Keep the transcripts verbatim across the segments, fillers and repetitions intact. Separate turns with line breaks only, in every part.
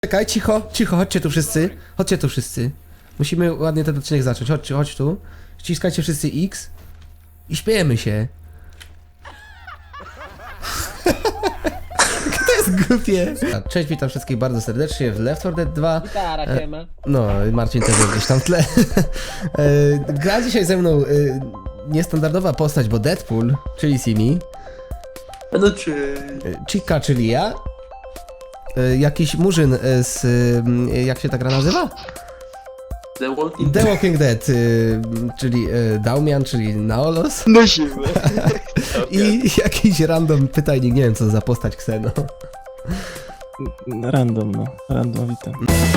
Czekaj, cicho, cicho, chodźcie tu wszyscy. Chodźcie tu wszyscy. Musimy ładnie ten odcinek zacząć. Chodźcie, chodź tu. Ściskajcie wszyscy X. I śpiejemy się. To jest głupie. Cześć, witam wszystkich bardzo serdecznie w Left four Dead dwa.
Gitara, siema.
No, Marcin też jest gdzieś tam w tle. E, Gra dzisiaj ze mną e, niestandardowa postać, bo Deadpool, czyli Simi.
No czy...
e, Chica, czyli ja. E, Jakiś murzyn e, z... e, jak się ta gra nazywa?
The Walking
The Walking Dead, y, czyli y, Daumian, czyli Naolos.
Nosimy.
I jakiś random pytajnik, nie wiem co za postać Kseno.
Random, no. Random, witam.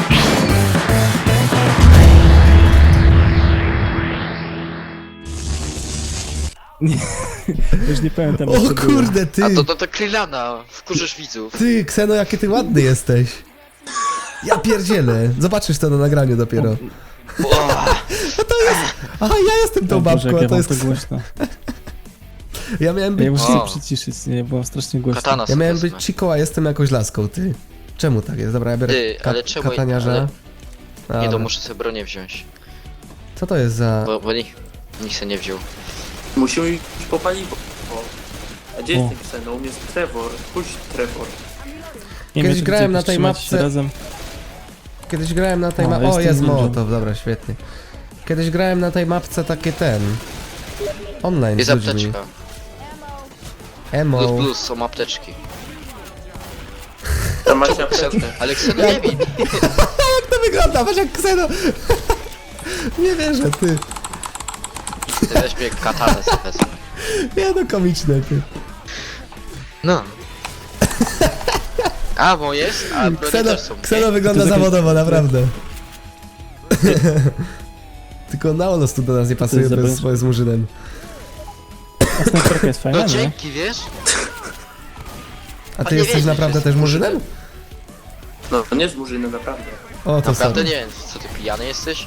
Nie, już nie pamiętam. jak
O
to było.
kurde, ty!
A to, to, to Krylana, wkurzysz widzów.
Ty, Kseno, jaki ty ładny jesteś. Ja pierdzielę. Zobaczysz to na nagraniu dopiero.
O,
A to jest... Aha, ja jestem tą
O Boże,
babką,
jak ja
a to
mam
jest
to
Kseno.
głośno.
Ja miałem
Ja
być...
muszę się
O.
przyciszyć, nie, byłem strasznie głośno.
katana
Ja
sobie
miałem
wezmę.
być Chico, a jestem jakąś laską, ty. Czemu tak jest? Dobra, ja biorę
Ty,
ka
ale czemu-
kataniarza.
ale- Nie,
Dobra.
to muszę sobie bronię wziąć,
Co to jest za...
bo, bo nikt, nikt se nie wziął.
Musimy iść po paliwo. A gdzie
O.
jest ten Kseno? U mnie jest Trevor. Pójdź Trevor.
Nie
Kiedyś
wiem, czy
grałem
będziecie
na tej
trzymać
mapce-
Razem.
Kiedyś grałem na tej
O,
mapce... O,
jestem
jest
ninją.
Mołotow, dobra, świetnie. Kiedyś grałem na tej mapce takie ten... Online
Jest
z ludźmi.
apteczka.
Emo.
Plus plus, są apteczki.
Tam macie apteczkę.
Ale Kseno nie bij.
Jak to wygląda? Patrz jak Kseno... Nie wierzę, ty.
Ty weź mnie katanę sobie wezmę.
Nie no, komiczne, ty.
No. A, bo jest? A broni
Kseno,
też są.
Kseno
nie?
wygląda
To jest jakieś-
zawodowo, naprawdę. Tylko Naolos tu do nas nie pasuje
jest za
bez
bez-
swoim z murzynem.
A snajperka jest fajna,
No
nie?
dzięki, wiesz?
A
A
ty
nie
jesteś
wiedzieć,
naprawdę
że
też
jest
murzynem?
No to nie z murzynem, naprawdę.
O, to
Naprawdę
sorry.
nie wiem, co ty pijany jesteś?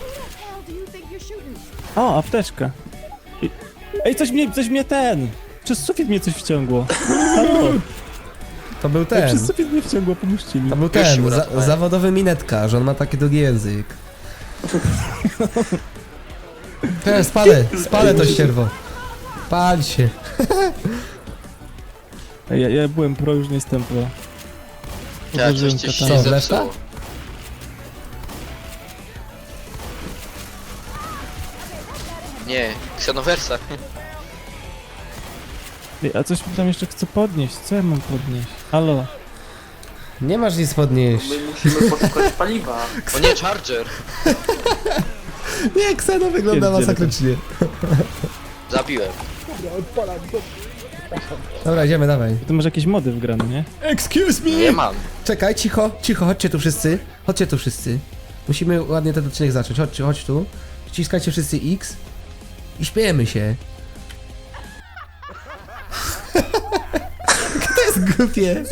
O, apteczka. I- Ej, coś mnie, coś mnie ten! Przez sufit mnie coś wciągło. Halo,
To był
Ej,
ten.
przez sufit mnie wciągło, pomóżcie mi.
To był
Już się
ten, za,
uratowałem.
zawodowy minetka, że on ma taki długi język. Teraz spalę, spalę to ścierwo. Pal się.
Ej, ja, ja byłem pro, już nie jestem pro.
Ja, coś
Uderzyłem
ci się
kataną.
Co,
zepsuło.
lefta?
Nie, Ksenowersa.
Ej, a coś mi tam jeszcze chcę podnieść. Co ja mam podnieść? Halo.
Nie masz nic podnieść.
My musimy poszukać paliwa.
O nie, Charger.
Nie, Kseno wygląda
Pierdzielę
masakrycznie.
Zabiłem.
Dobra, idziemy, dawaj.
Ty masz jakieś mody wgrane, nie?
Excuse me!
Nie mam.
Czekaj, cicho, cicho, chodźcie tu wszyscy. Chodźcie tu wszyscy. Musimy ładnie ten odcinek zacząć. Chodźcie, chodź tu. Ściskajcie wszyscy X. I śpiejemy się. To jest głupie.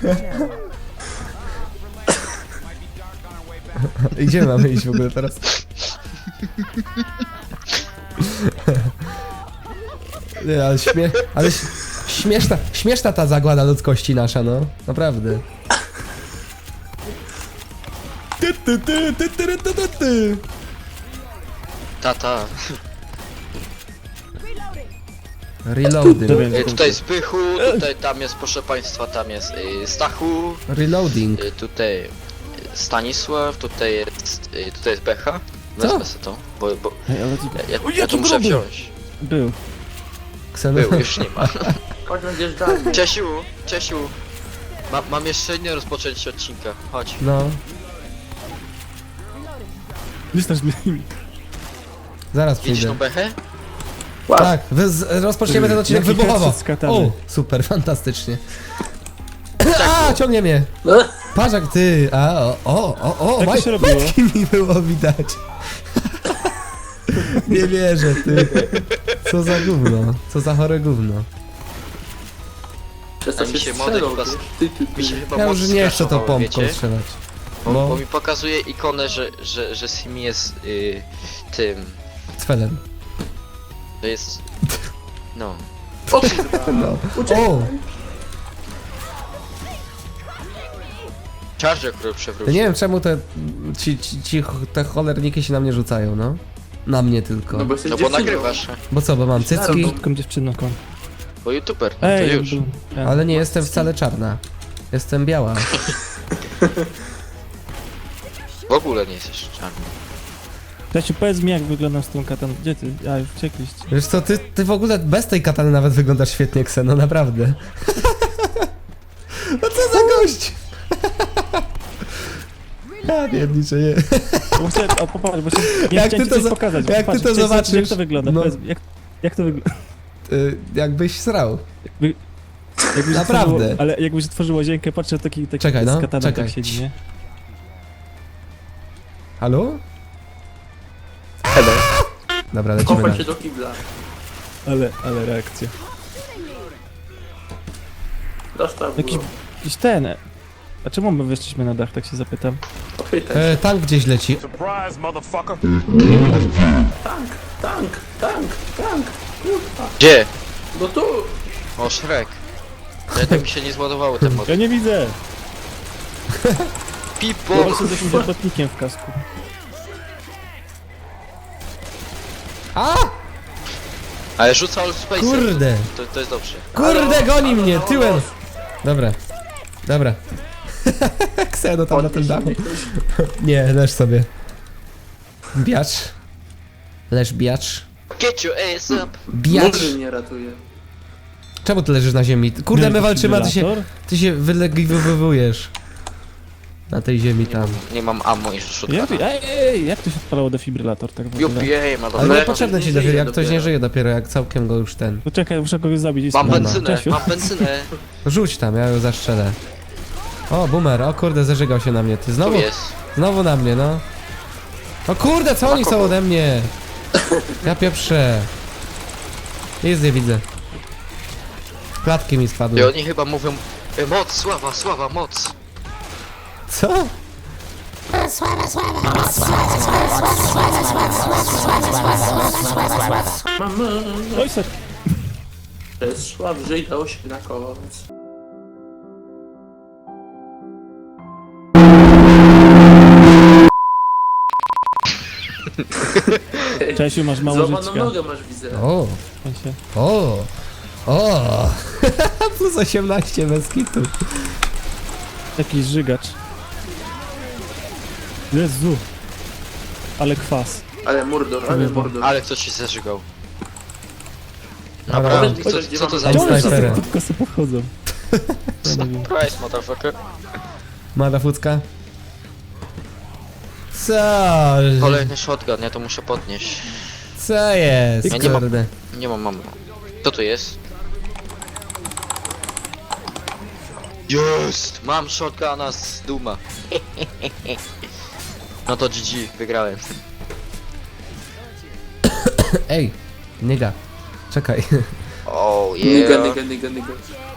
Gdzie mamy iść w ogóle teraz? Nie, ale śmie... Ale ś- śmieszna, śmieszna ta zagłada ludzkości nasza, no. Naprawdę. Ty, ty, ty, ty, ty, ty, ty, ty.
Tata.
Reloading.
Dobra.
Y, tutaj jest Pychu, tutaj tam jest, proszę państwa, tam jest y, Stachu,
Reloading.
y, tutaj y, Stanisław, tutaj jest, y, tutaj jest Becha.
Co?
Wezmę sobie to, bo, bo
Ej, ale to
ja, ja,
O,
ja
jaki
to muszę
gruby!
wziąć.
był.
Kseno...
Był, już nie ma.
Chodź, będziesz dalej.
Czesiu, Czesiu. Ma, mam jeszcze nie rozpocząć odcinka, chodź.
No,
Wystaż mnie.
zaraz
Widzisz
przyjdę.
tą Bechę?
Łap.
Tak, wy z, rozpoczniemy ten odcinek
Jaki
wybuchowo.
headset z katany.
O, super, fantastycznie. A, ciągnie mnie.
No.
Patrz jak ty, a, o, o, o, o,
Tak to
maj,
się robiło.
majtki mi było widać. Nie wierzę, ty. Co za gówno, co za chore gówno.
Przez
A
to
mi
się
się
strzelał,
model
wiesz?
pas-
Ty, ty, ty.
Mi się chyba
Ja już
moc
nie chcę tą
skraszowały,
pompką
wiecie?
strzelać.
Bo,
No.
bo mi pokazuje ikonę, że, że, że Simi jest y, tym.
Cfelem.
To jest. No.
O kurwa.
No.
Uciekaj.
O,
Charger, który
Ja
przewrócił.
nie wiem czemu te, ci, ci, ci te cholerniki się na mnie rzucają, no. Na mnie tylko.
No bo
Bo,
jesteś
No bo
dziewczyną.
nagrywasz,
co, bo mam
Z
cycki,
krótką dziewczyną. kon.
bo youtuber, no
Ej,
to już.
był ten.
ale nie jestem wcale czarna. Jestem biała.
W ogóle nie jesteś czarny.
Stasiu, powiedz mi, jak wyglądam z tą kataną. Gdzie ty? A, już uciekliście.
Wiesz co, ty, ty w ogóle bez tej katany nawet wyglądasz świetnie, Kseno, naprawdę. No co za gość! Ja pierniczę, nie.
Bo chcę, o, popatrz, bo się, nie
Jak
chciałem
ty
ci
to
coś
za-
pokazać.
jak ty
Popatrz,
to
chciałem zobaczyć,
zobaczysz,
Jak to wygląda?
no.
Powiedz mi, jak, jak to wygląda?
Y, jakbyś srał.
Jakbyś
Naprawdę.
Otworzyło, ale jakbyś otworzył łazienkę, patrzę, taki, taki
Czekaj, no,
z kataną
czekaj.
tak siedzi, nie?
Halo?
Hello.
Dobra, lecimy
Kopać
dalej.
się do kibla.
Ale, ale reakcja.
Dostał
Jakiś,
go.
jakiś ten... A czemu my wyszliśmy na dach, tak się zapytam?
Popytaj się.
E, tank gdzieś leci.
Surprise, motherfucker.
Tank, tank, tank, tank. Kurwa.
Gdzie?
No tu.
O, Shrek. Jednak mi się nie zładowały te mody.
Ja nie widzę!
Pipo!
Po prostu z jakimś robotnikiem w kasku.
A!
Ale rzuca Old Space.
Kurde!
To, to jest dobrze.
Kurde, goni mnie,
halo,
tyłem!
halo.
Dobra. Dobra. Kseno tam na tym
Podnieś
dachu.
mnie ktoś.
Nie, leż sobie. Biacz. Leż biacz.
Get your ass up!
Biacz.
Murzyn mnie ratuje.
Czemu ty leżysz na ziemi? Kurde, my walczymy, a ty się,
Defibrylator?
ty się wylegowujesz. Na tej ziemi tam.
Nie mam ammo i
Jak,
shotguna.
ej, ej, jak to się odpalało defibrylator tak w ogóle?
U P A,
Ale
motherfucker.
nie potrzebne ci
nie
dopiero,
żyje
jak ktoś nie
dopiero.
żyje dopiero, jak całkiem go już ten.
No czekaj, muszę kogoś zabić. i
Mam
spróbuję.
benzynę,
Czesiu.
mam benzynę.
Rzuć tam, ja ją zastrzelę. O, boomer, o kurde, zażygał się na mnie. Ty
Tu
znowu,
jest.
znowu na mnie, no. O kurde, co oni są ode mnie? Ja pieprzę. Jest, nie widzę. Klatki mi
I
spadły.
oni chyba mówią e, moc, sława, sława, moc.
Co?
Mamy.
Oj, ser.
Przez szła wżyj dało się na koc.
Czesiu, masz mało
Złamaną
życia.
nogę masz, widzę.
O,
W sensie.
o, o. Plus osiemnaście bez kitu.
Jakiś żygacz. Jezu. Ale kwas.
Ale mordor, ale
Kurwa.
mordor.
Ale ktoś się zażygał.
Dobra.
Naprawdę,
Powiedz
co,
mi,
co to za
Ej,
Czemu
impreza?
snajper.
wszyscy pod kosy podchodzą? Ja nie wiem.
Surprise, motherfucker.
Mada fucka. Co?
Kolejny shotgun, ja to muszę podnieść.
Co jest?
Ja nie mam-
Kurde.
Nie mam ammo. Co to jest? Jest! Mam shotguna z Duma. No to G G, wygrałem.
Ej, niega. Czekaj.
Oh
Niga,
yeah.
niga, niga, niga.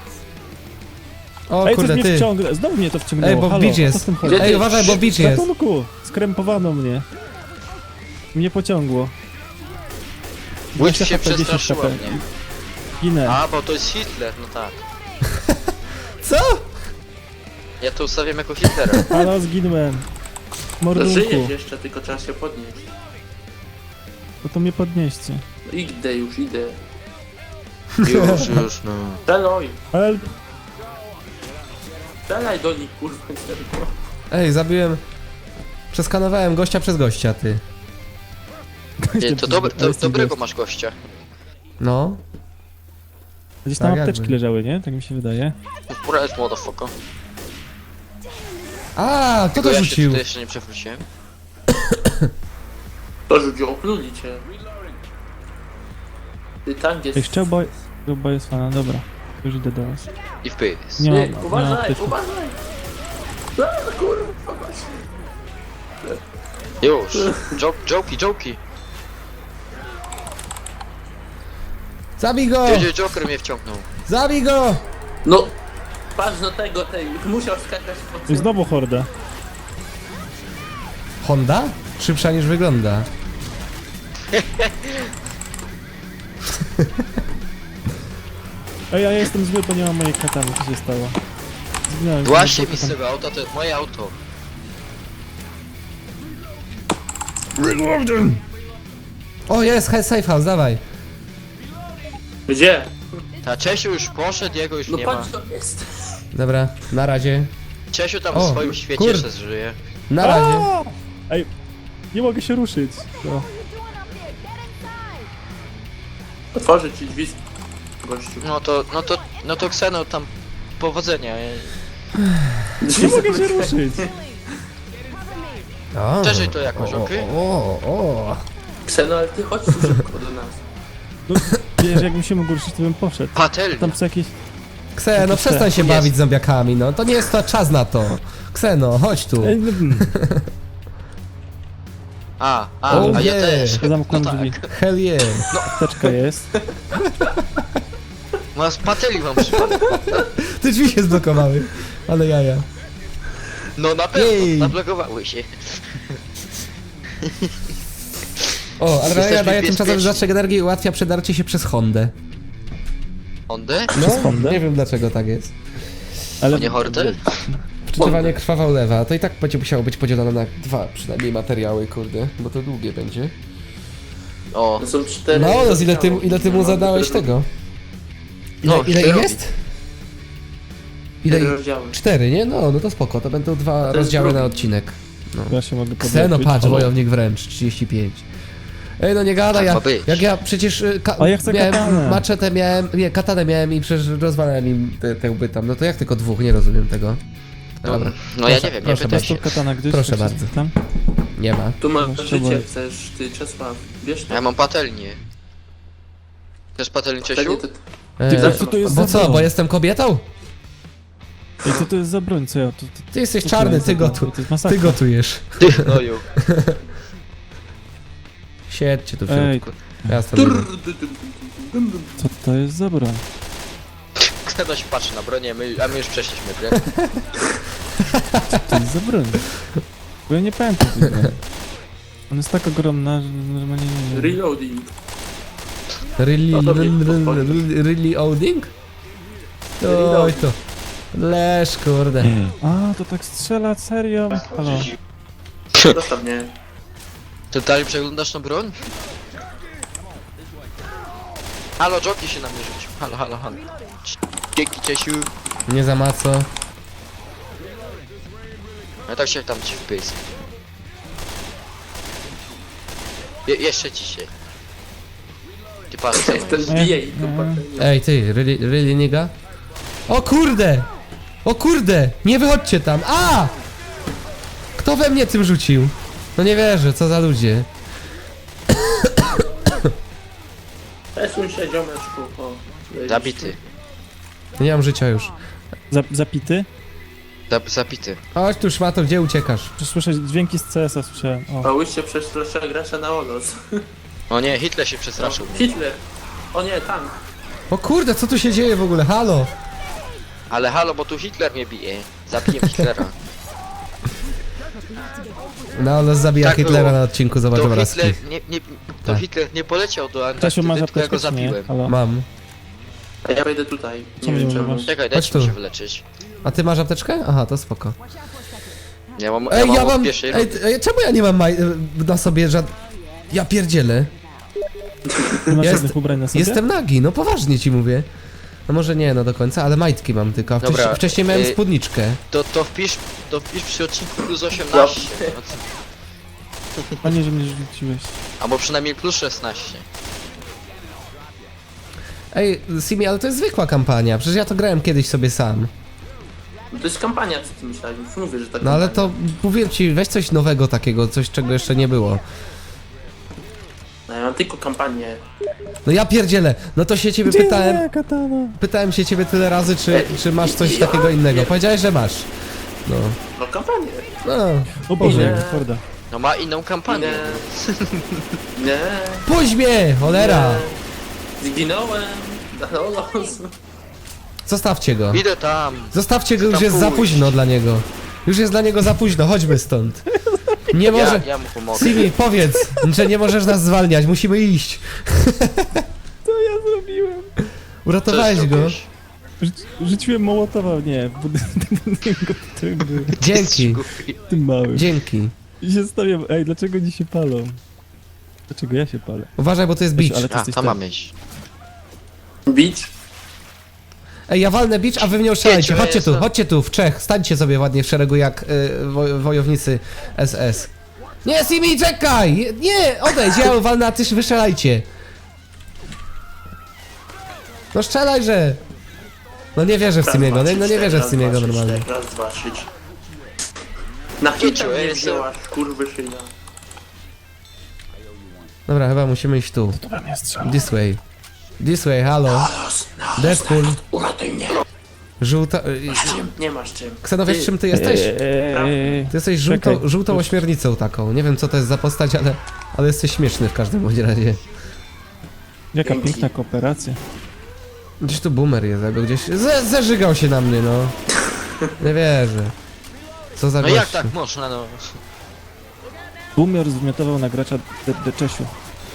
O
Ej, coś
kurde,
mnie
ty.
wciągnęło. Znowu mnie to wciągnęło.
Ej, bo
Halo,
beach
co
jest.
z tym chodzi?
Gdzie
Ej,
ty?
uważaj, bo beach jest.
Ratunku! Skrępowano mnie. Mnie pociągło.
Łódź
dwadzieścia
się
H P, dziesięć
przestraszyła
H P.
mnie.
Ginę.
A, bo to jest Hitler, no tak.
Co?
Ja to ustawiam jako Hitlera.
Halo, zginąłem.
No
Mordunku.
żyjesz jeszcze, tylko trzeba się podnieść.
No to mnie podnieście.
No idę już, idę.
Już, już, no.
Strzelaj!
Help!
Strzelaj do nich, kurwa, serio.
Ej, zabiłem... Przeskanowałem gościa przez gościa, ty.
Nie, to dobre, to, dobrego masz gościa.
No.
Gdzieś tam
Tak,
apteczki
jakby.
leżały, nie? Tak mi się wydaje.
Surprise, motherfucker.
A, kto
Tylko
to
ja się
rzucił?
tutaj jeszcze nie przewróciłem.
To rzucił, opluli cię. Ty tank jest...
Ej, szczelba... Szczelba jest fana, dobra. Już idę do was.
I w pysk.
Nie
Ty,
mam, nie mam
uważaj,
apteczki.
uważaj! A, kurwa, właśnie.
Już. Joke, joki, joki.
Zabij go!
Jedzie Joker mnie wciągnął.
Zabij go!
No, patrz do tego, tej, musiał skakać po
I znowu horda.
Honda? Szybsza niż wygląda.
Ej, ja jestem zły, bo nie mam mojej katany, co się stało? Nie,
Właśnie
nie,
mi z tego auta, to jest moje auto.
O, jest, he- safe house, dawaj.
Gdzie?
Ta Czesiu już poszedł, jego już
No
nie ma.
patrz, to jest.
Dobra, na razie.
Czesiu tam
O,
w swoim świecie
kur-
jeszcze żyje.
Na razie.
A! Ej, nie mogę się ruszyć. No.
Otworzę ci drzwi, gościu.
No to, no to, no to Kseno tam powodzenia.
Nie mogę się ruszyć.
O,
Przeżyj to jakoś,
o,
okej?
O, o.
Kseno, ale ty chodź tu szybko do nas.
No, wiesz, jakbym się mógł ruszyć, to bym poszedł.
Patelnia.
Tam co jakieś...
Kse, no przestań się
Jest.
bawić zombiakami, no. To nie jest to czas na to. Kseno, chodź tu.
Ej, no, mm.
A, a,
O
a ja
nie.
też.
Ja zamknąłem
No
drzwi.
tak.
Hell yeah.
Apteczka jest.
No z patelni mam przypadek.
Te drzwi się zblokowały. Ale jaja.
No na pewno,
Jej.
zablokowały się.
O, ale
Jesteśmy
ja daję tymczasowy
bezpieczni.
zastrzyk energii i ułatwia przedarcie się przez Hondę.
Ondę?
No,
Hondę?
nie wiem dlaczego tak jest.
Ale...
Nie Hortel?
Przeczytywanie krwawa ulewa, to i tak będzie musiało być podzielone na dwa przynajmniej materiały, kurde, bo to długie będzie.
O,
To są cztery...
No, no ile ty, ile ty mu
No,
zadałeś
cztery-
tego? Ile,
No,
ile ich
cztery.
jest? Ile
Cztery
ich?
rozdziały.
Cztery, nie? No, no to spoko, to będą dwa
jest
rozdziały
drugi.
na odcinek. No.
Ja się mogę
Kseno,
podlepić.
patrz,
O.
wojownik wręcz, trzydzieści pięć. Ej, no nie gada,
Tak
ja,
ma być.
jak ja przecież y, ka-
A ja chcę
miałem
katanę.
maczetę miałem, nie, katanę miałem i przecież rozwalałem im te, te łby tam, no to jak tylko dwóch, nie rozumiem tego. Dobra,
no ja
Proszę,
nie wiem, nie
proszę
pytaj
Masz
się.
tu katana gdzieś?
Proszę
Czy
bardzo.
Tam?
nie ma.
Tu masz
No,
życie,
trzeba-
chcesz, ty Czesław. Bierz to.
Ja mam patelnię. Chcesz patelnię, Czesiu?
Wtedy to...
E,
Ty, co to jest
bo
za
co,
broń?
bo jestem kobietą?
Ej, co to jest za broń? Co ja? To, to,
Ty jesteś
co to
czarny,
jest
ty
za broń?
gotu,
To jest
ty
masakra.
gotujesz.
Ty, no ju.
Siedźcie tu w
Ej.
środku. Ja stąd idę.
Co to jest za broń?
Kseno się patrzy na bronię, my, a my już przeszliśmy grę.
Co to jest za broń? Bo ja nie pamiętam tej broni. Ona jest tak ogromna, że normalnie nie wiem.
Reloading.
Really,
No to
really,
nie podchodzi.
really, really loading? Oj
Reloading.
to. Leż, kurde.
A, to tak strzela, serio? Halo.
Zostaw mnie.
Ty dalej przeglądasz tą broń? Halo, Joki się na mnie rzucił. Halo, halo, halo. Dzięki, Czesiu.
Nie za maco.
Ja tak się tam ci wpysk. Je jeszcze dzisiaj. Ty patrz, co
Ten
jest.
zbije i to
Nie.
patelnią.
Ej, ty, really, really nigga? O kurde! O kurde! Nie wychodźcie tam! A! Kto we mnie tym rzucił? No nie wierzę, co za ludzie.
Przesuń się, ziomeczku. O,
Zabity.
Nie mam życia już.
Za, zapity?
Zab zabity.
Chodź tu szmato, gdzie uciekasz?
Czy słyszę dźwięki z C S a słyszałem. O.
Pałyście przez lepszego gracza na olos.
O nie, Hitler się przestraszył.
Hitler. O nie, tank.
O kurde, co tu się dzieje w ogóle? Halo!
Ale halo, bo tu Hitler mnie bije. Zabiję Hitlera.
No, no zabija
Tak
Hitlera
było.
na odcinku, zobacz
To
obrazki.
Hitler nie, nie, to
Tak.
Hitler nie poleciał do
Czesiu, masz
Antarktydy, tylko ja go
apteczkę, czy nie?
zabiłem.
Halo.
Mam.
A ja wejdę tutaj.
Co
Nie
mnie
wiem
nie
czemu.
masz?
Czekaj,
Chodź
dajcie mi
tu.
się wyleczyć.
A ty masz apteczkę? Aha, to spoko.
Ja mam,
Ej, ja
od
mam...
pierwszej
Ej,
rundy.
ej, czemu ja nie mam maj... na sobie żad... Ja pierdzielę.
Nie masz
Jest-
żadnych ubrań na sobie?
Jestem nagi, no poważnie ci mówię. No może nie, no do końca, ale majtki mam tylko, a wcześniej,
Dobra,
wcześniej miałem
y-
spódniczkę.
To, to wpisz, to wpisz przy odcinku plus osiemnaście. No co-
Panie, że mnie rzuciłeś.
Albo przynajmniej plus szesnaście.
Ej, Simi, ale to jest zwykła kampania, przecież ja to grałem kiedyś sobie sam.
No to jest kampania, co ty myślałeś? Już mówię, że tak.
No ale to, mówiłem ci, weź coś nowego takiego, coś czego jeszcze nie było.
No, ja mam tylko kampanię.
No ja pierdzielę, no to się ciebie
Gdzie
pytałem,
moja katana?
pytałem się ciebie tyle razy, czy,
Ej,
czy masz coś
ja-
takiego innego. Powiedziałeś, że masz. No,
No kampanię.
no.
O Boże,
Nie.
jaka horda.
No ma inną kampanię.
Nie. Nie.
Puść mnie, cholera!
Nie. Zginąłem. Na olos.
Zostawcie go.
Idę tam.
Zostawcie go,
Chcę
już
tam
jest za
pójść.
późno dla niego. Już jest dla niego za późno, chodźmy stąd. Nie może...
Ja, ja mu pomogę.
Simi, powiedz, że nie możesz nas zwalniać, musimy iść.
Co ja zrobiłem?
Co
Uratowałeś go.
zrobiłeś?
Rzuci- Rzuciłem Mołotowa, nie, w budynku, w którym był,
Dzięki,
tym małym.
dzięki.
I się stawiam, ej, dlaczego oni się palą? Dlaczego ja się palę?
Uważaj, bo to jest
Wiesz,
beach.
ale ty
A,
jesteś
tam
ten-
mamy iść.
Beach?
Ej, ja walnę beach, a wy w nią strzelajcie.
Pięciu
Chodźcie tu,
jest.
chodźcie tu, w trzech. Stańcie sobie ładnie w szeregu jak y, wo, wojownicy S S. Nie, Simi, czekaj! Nie, odejdź, ja ją walnę, a ty wystrzelajcie. No strzelajże! No nie wierzę w
Raz,
Simiego,
dwa,
no,
trzy,
no nie
cztery,
wierzę w
raz,
Simiego
dwa, trzy,
normalnie.
cztery, Raz, dwa, trzy. cztery. Na
Pięciu,
hita mnie
jest-
wzięłaś, kurwy szyja.
Dobra, chyba musimy iść tu.
Dobra, mnie strzela.
This way. This way, halo. Deadpool.
Uratuj mnie.
Żółta... y,
Masz czym? Nie masz czym.
Ksenowiesz, czym ty jesteś?
Eee,
Ty jesteś
Czekaj.
żółtą, żółtą ośmiornicą taką. Nie wiem co to jest za postać, ale, ale jesteś śmieszny w każdym bądź razie.
Jaka
Dzięki.
piękna kooperacja.
Gdzieś tu boomer jest, jakby gdzieś... Z, zażygał się na mnie, no. Nie wierzę. Co za
No
gościu.
jak tak można, no?
Boomer zwymiotował na gracza de, de Czesiu.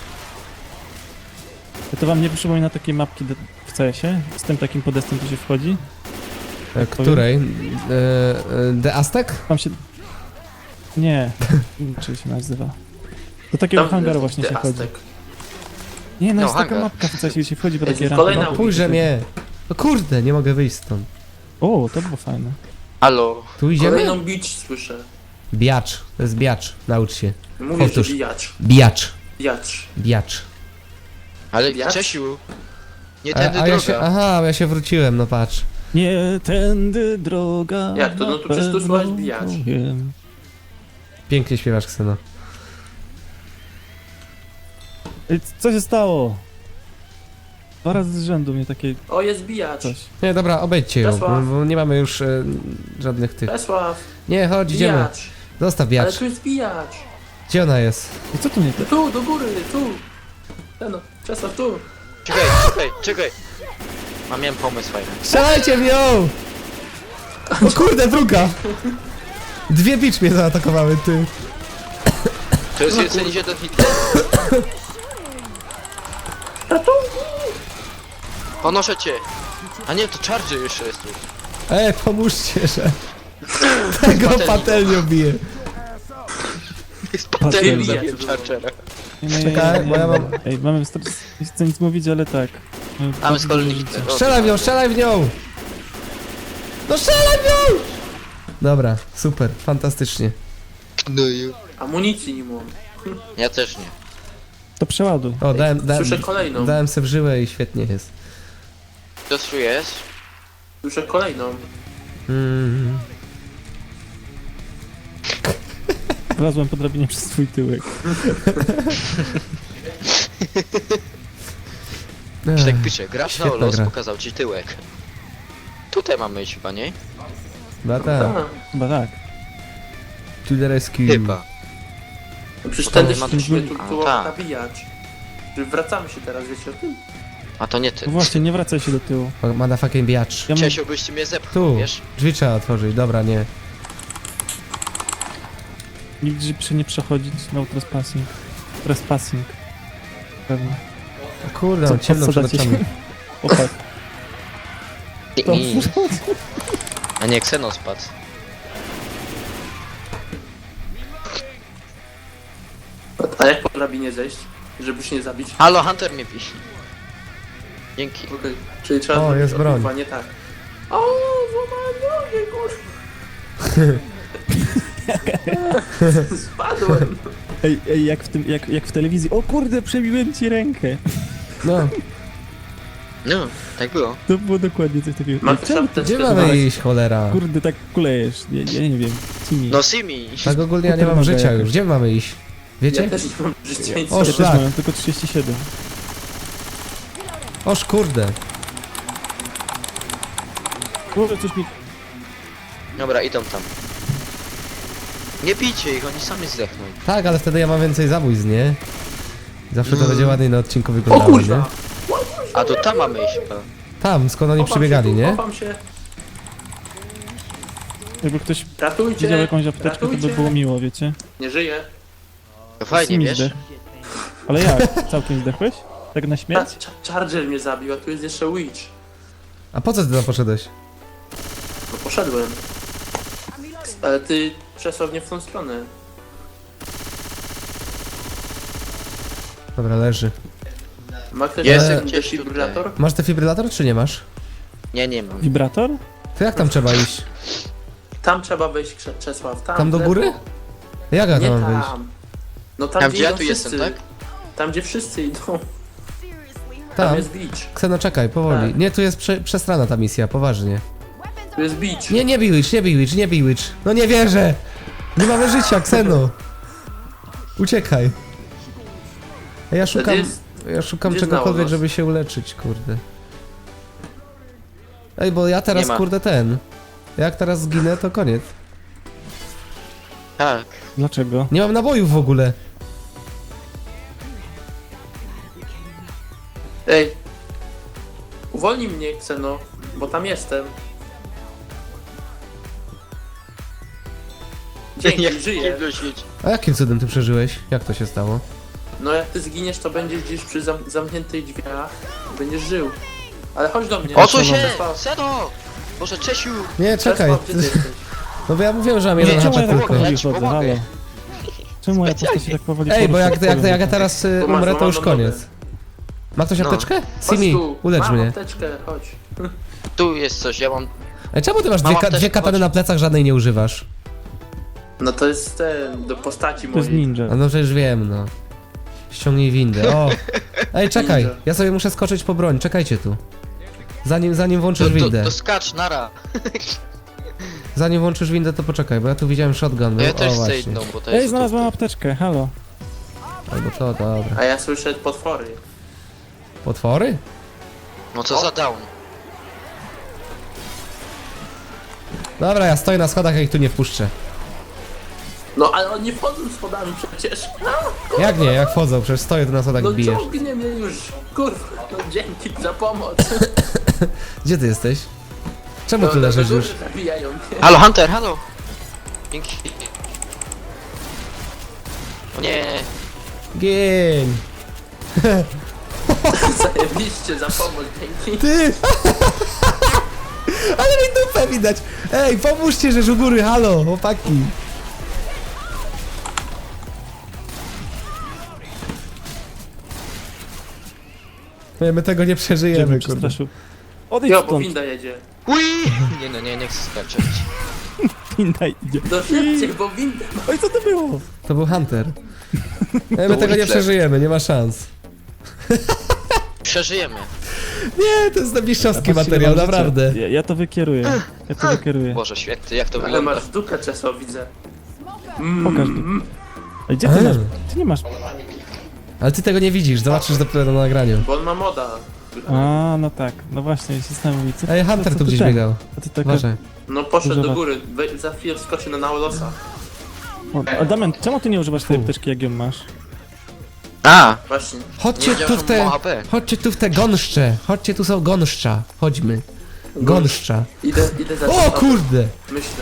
To wam nie przypomina takiej mapki de, w C S-ie? Z tym takim podestem tu się wchodzi?
E, Której? E, e, The Aztec?
Tam się... Nie, czy się nazywa? Do takiego
Tam
hangaru
jest
właśnie się
The
wchodzi.
Aztec.
Nie, no
No,
jest taka
hangar.
mapka w C S-ie, gdzie się wchodzi po
Jest
takie
kolejna
rampy.
Pójrze mnie. No kurde, nie mogę wyjść stąd.
O, to było fajne.
Halo.
Tu idziemy?
Kolejną beach słyszę.
Biacz. To jest biacz. Naucz się.
Mówię, że
Powtórz.
bijacz.
Biacz.
Bijacz.
Biacz.
Ale
Jak?
Czesiu. Nie
A,
tędy
a ja się,
droga.
aha, ja się wróciłem, no patrz.
Nie tędy droga.
Jak to? No to przecież tu
na
słuchać
pewno
bijacz.
wiem.
Pięknie śpiewasz, Kseno.
Ej, co się stało? Dwa razy z rzędu mnie takie
O, jest bijacz.
coś.
Nie, dobra, obejdźcie ją, bo,
Czesław.
bo nie mamy już e, żadnych tych...
Czesław,
Nie, chodź, idziemy.
bijacz.
Zostaw
Ale
biacz.
tu jest bijacz.
Gdzie ona jest?
I co tu nie
No tu, do góry, tu. Ten no, Czesław, tu.
Czekaj, czekaj, czekaj. Mam miałem pomysł fajny.
Strzelajcie w nią! O kurde, druga! Dwie bicz mnie zaatakowały, ty.
To jest jeden jeden Hitler. Ponoszę cię. A nie, to Charger jeszcze jest tu.
Ej, pomóżcie, że... Tego
Patelnią.
patelnią bije.
Jest
Patelnia.
patelnią zabiłem Chargera.
Nie, nie,
Czekaj, bo ja mam-
Ej, mamy stres... Nie chcę nic mówić, ale tak. Mamy
Mamy z kolei
dużo
Hitler.
życia.
Strzelaj w nią, strzelaj w nią! No strzelaj w nią! Dobra, super, fantastycznie.
No i...
Amunicji nie mam.
Ja też nie.
To przeładuj.
O, dałem, dałem,
Słyszę kolejną.
dałem se w żyłę i świetnie jest.
To tu jest.
Słyszę kolejną.
Mm.
Wlazłem po drabinie przez swój tyłek.
Ech,
Tak pisze, gracz na
Świetna
los
gra.
pokazał ci tyłek. Tutaj mamy iść chyba, nie?
No tak,
A,
Chyba tak.
to the rescue.
Chyba.
no przecież
Tam
tędy
nie ma
szliśmy,
tu-
tu
A,
było
tak.
nabijać. Że wracamy się teraz, wiecie o tym?
A to nie ty.
No właśnie, nie wracaj się do tyłu.
Motherfucking biacz.
Ja mam...
Czesiu, byście mnie zepchnął,
Tu,
wiesz?
drzwi trzeba otworzyć, dobra, nie.
Nigdzie przy nie przechodzić, no trespassing. Trespassing. Pewnie.
O kurde,
Co,
mam ciemno przed
odsadzacie
oczami.
się? O tak. To...
I- A nie, Xenos spadł.
A jak po drabinie zejść? Żeby się nie zabić?
Halo, Hunter mnie pisze. Dzięki.
Okej. Czyli trzeba
O,
zrobić
jest broń.
odpływanie tak. O, złamałem nogę, kurwa. Spadłem.
Ej, ej, jak w tym, jak, jak w telewizji. O kurde, przebiłem ci rękę.
No,
No, tak było.
To było dokładnie coś takiego.
Ma
Ej,
ktoś
czemu-
apteczkę?
gdzie mamy iść, cholera?
Kurde, tak kulejesz. Ja, ja nie wiem. Cimi.
No Simi.
Tak ogólnie ja nie
Potem
mam
mogę
życia
jakoś.
już, gdzie mamy iść? Wiecie?
Ja też nie mam życia i
O,
co?
Ja też
szlak.
mam tylko trzydzieści siedem.
Oż kurde.
Kurde, coś mi...
Dobra, idą tam. Nie bijcie ich, oni sami zdechną.
Tak, ale wtedy ja mam więcej zabójstw, nie? Zawsze to
Mm.
będzie ładniej na odcinku
O
wyglądało, nie?
kurwa!
A to tam mamy iść chyba.
Tam, skąd oni
Chowam
przybiegali,
się tu,
nie?
Chowam się.
Jakby ktoś
Ratujcie!
widział jakąś apteczkę, to by
ratujcie.
było miło, wiecie?
Nie żyję.
To fajnie,
Simi
wiesz?
zdech. Ale jak? Całkiem zdechłeś? Tak na
Ta,
śmierć?
cza- Charger mnie zabił, a tu jest jeszcze Witch.
A po co ty tam poszedłeś?
No poszedłem. Ale ty przesownie w tą stronę.
Dobra, leży.
Ma ktoś
Jest
ten
gdzieś
defibrylator?
Masz defibrylator czy nie masz?
Nie, nie mam.
Wibrator?
To jak tam trzeba iść?
Tam trzeba wejść, Krze- Czesław. Tam,
Tam do
w lewo.
góry? Jak ja
Nie
tam mam wyjść?
tam. No tam,
Tam
gdzie
gdzie ja
idą
tu
wszyscy.
jestem, tak?
Tam gdzie wszyscy idą. Tam
Tam?
jest beach.
Kseno, czekaj, powoli.
Tak.
Nie, tu jest prze przestrana ta misja, poważnie.
Tu jest beach.
Nie, nie Bewitch, nie Bewitch, nie Bewitch. No nie wierzę! Nie mamy życia, Kseno! Uciekaj. A ja szukam,
jest-
ja szukam
gdzie
czegokolwiek,
znało nas?
żeby się uleczyć, kurde. Ej, bo ja teraz,
Nie ma.
kurde, ten. Jak teraz zginę, to koniec.
Tak.
Dlaczego?
Nie mam nabojów w ogóle.
Ej. Uwolnij mnie, Kseno, bo tam jestem. Dzięki,
Jak
żyję.
nie świeci.
A jakim cudem ty przeżyłeś? Jak to się stało?
No jak ty zginiesz, to będziesz gdzieś przy zam zamkniętych drzwiach. Będziesz żył. Ale chodź do mnie.
Odsuń się!
Czesław,
Seno! Boże, Czesiu!
Nie, czekaj.
Czesław, gdzie ty jesteś?
No bo ja mówiłem, że mam
Nie,
jeden
Czemu
H
ja
P
tak
tylko.
powoli
Ja ci
chodzę,
pomogę.
halo? Czemu ja
Specjalnie.
postać tak powoli
Ej, bo
poruszę
jak,
po
jak,
polu?
jak ja teraz y,
Bo masz
umrę, to już
złamaną nogę.
koniec. Ma ktoś
No.
apteczkę?
Chodź
Simi,
tu.
ulecz
Mam
mnie.
apteczkę, chodź.
Tu jest coś, ja mam...
Ej, czemu ty masz
Mam
dwie, ka
apteczkę,
dwie katany
chodź.
na plecach, żadnej nie używasz?
No to jest ten, do postaci
To jest
mojej.
ninja.
A no przecież wiem, no. Ściągnij windę, o! Ej, czekaj,
Ninja.
ja sobie muszę skoczyć po broń, czekajcie tu. Zanim, zanim
To,
włączysz
to,
windę.
to skacz, nara!
Zanim włączysz windę, to poczekaj, bo ja tu widziałem shotgun.
No
Był.
ja też
o,
chcę
właśnie.
jedną, bo to jest...
Ej, znalazłem apteczkę, halo.
Albo to, dobra.
A ja słyszę potwory.
Potwory?
No co za down.
Dobra, ja stoję na schodach, ja ich tu nie wpuszczę.
No ale oni wchodzą schodami przecież.
Jak nie, jak wchodzą, przecież stoję tu na schodach
No
i bijesz.
ciągnie mnie już. Kurwa, no dzięki za pomoc.
Gdzie ty jesteś? Czemu
No,
tu leżysz
do
już?
góry zabijają mnie.
Halo, Hunter, halo! Dzięki. O nie!
Gień!
Zajebiście za pomoc, dzięki.
Ty! Ale mi dupę widać! Ej, pomóżcie, że u góry, halo, chłopaki! Nie, my tego nie
Gdzie
przeżyjemy,
mnie
kurde.
przestraszył? Odejdź
Jo, bo
stąd,
winda jedzie.
Ui! Nie no, nie, nie chcę skaczeć.
winda idzie.
No szybciej, bo winda ma...
Oj, co to było?
To był Hunter. Nie, my
To
tego nie
Hitler.
przeżyjemy, nie ma szans.
Przeżyjemy.
Nie, to jest mistrzowski
Patrzcie,
materiał,
ile mam życia.
naprawdę.
Ja, ja to wykieruję. Ja to wykieruję.
Boże święty, jak to
Ale
wygląda.
masz dupę Czesław, widzę.
Pokaż tu.
Mm,
Ej, gdzie ty
Eee.
masz? Ty nie masz.
Ale ty tego nie widzisz, zobaczysz dopiero na nagraniu.
bo on ma moda.
A, no tak. No właśnie, się zastanawiam. Co,
Ej,
co-
Hunter
co
tu
ty
gdzieś
ten?
biegał.
A ty taka...
Uważaj.
No poszedł
Używa-
do góry, we, za chwilę wskoczy na Naulosa.
O, a Damian, czemu ty nie używasz tej apteczki, jak ją masz?
A!
Właśnie.
Chodźcie
Nie
tu
wiedziałem,
w
że
te...
ma H P.
Chodźcie tu w te gąszcze. Chodźcie, tu są gąszcza. Chodźmy. Gąszcza.
Idę, idę za
O kurde!
Myślę.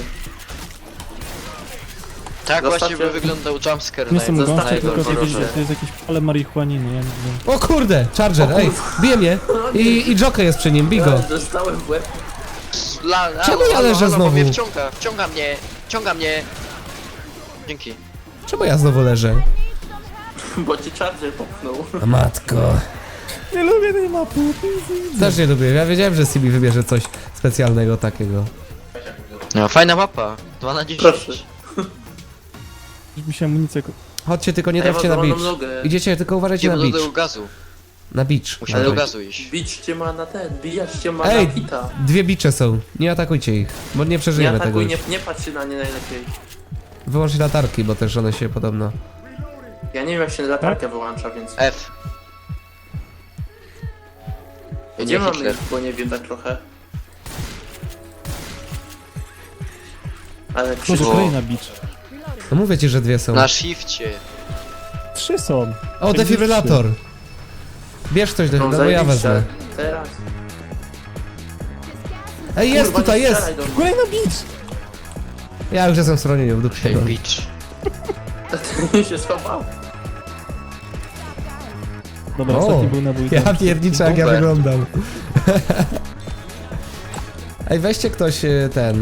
Tak
Zostawcie-
właśnie by wyglądał jumpscare
Nie jestem
na
zostawcie
gąszczem, tylko
go,
jakieś,
proszę.
to jest jakieś pole marihuaniny, ja nie wiem.
O kurde! Charger, ej! Bije mnie! I, i Joker jest przy nim, bij go!
Ja dostałem w łeb.
La, la,
Czemu
halo,
ja
halo,
leżę
halo, bo
znowu?
mnie wciąga, wciąga mnie, wciąga mnie. Dzięki.
Czemu ja znowu leżę?
Bo ci Charger popchnął.
A matko.
Nie lubię tej mapy.
Też nie lubię. Ja wiedziałem, że C B wybierze coś specjalnego takiego.
No, fajna mapa. dwa na dziesięć.
Proszę.
Już mi się amunicja... ko-
Chodźcie, tylko nie
Ja mam
trafcie na
złamaną
beach.
nogę.
Idziecie, tylko uważajcie
Idziemy
na
do tego
beach.
gazu.
Na beach.
Musimy do
Dawaj.
gazu iść.
Bić cię ma na ten, bijać cię ma
Ej,
na hita.
dwie bicze są. Nie atakujcie ich, bo nie
Nie
przeżyjemy tego
atakuj,
już.
nie, nie patrz się na nie najlepiej.
Wyłączcie latarki, bo też one się podobno...
Ja nie wiem jak się latarkę wyłącza, więc...
F.
Gdzie
Nie
mamy
Hitler.
ich, bo nie wiem tak trochę. Ale
Może
krzyż...
O.
kolejna beach.
No mówię ci, że dwie są.
Na shifcie.
Trzy są.
O, defibrylator! Bierz coś, do,
No,
no, bo ja
zajebiście.
wezmę.
Teraz.
Ej, jest,
Kurwa,
tutaj
nie
jest!
strzelaj do mnie.
Kolejna beach!
Ja już jestem w schronieniu, w dupie.
Hey,
no.
bitch.
się schował.
Dobra,
O,
ostatni był nabój.
Ja pierniczę, jak ja
Bumper.
wyglądam. Ej, weźcie ktoś e, ten.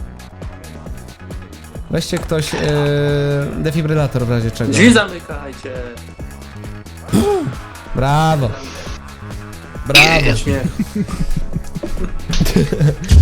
Weźcie ktoś e, defibrylator w razie czego.
Drzwi zamykajcie.
Brawo. Brawo.
Śmiech.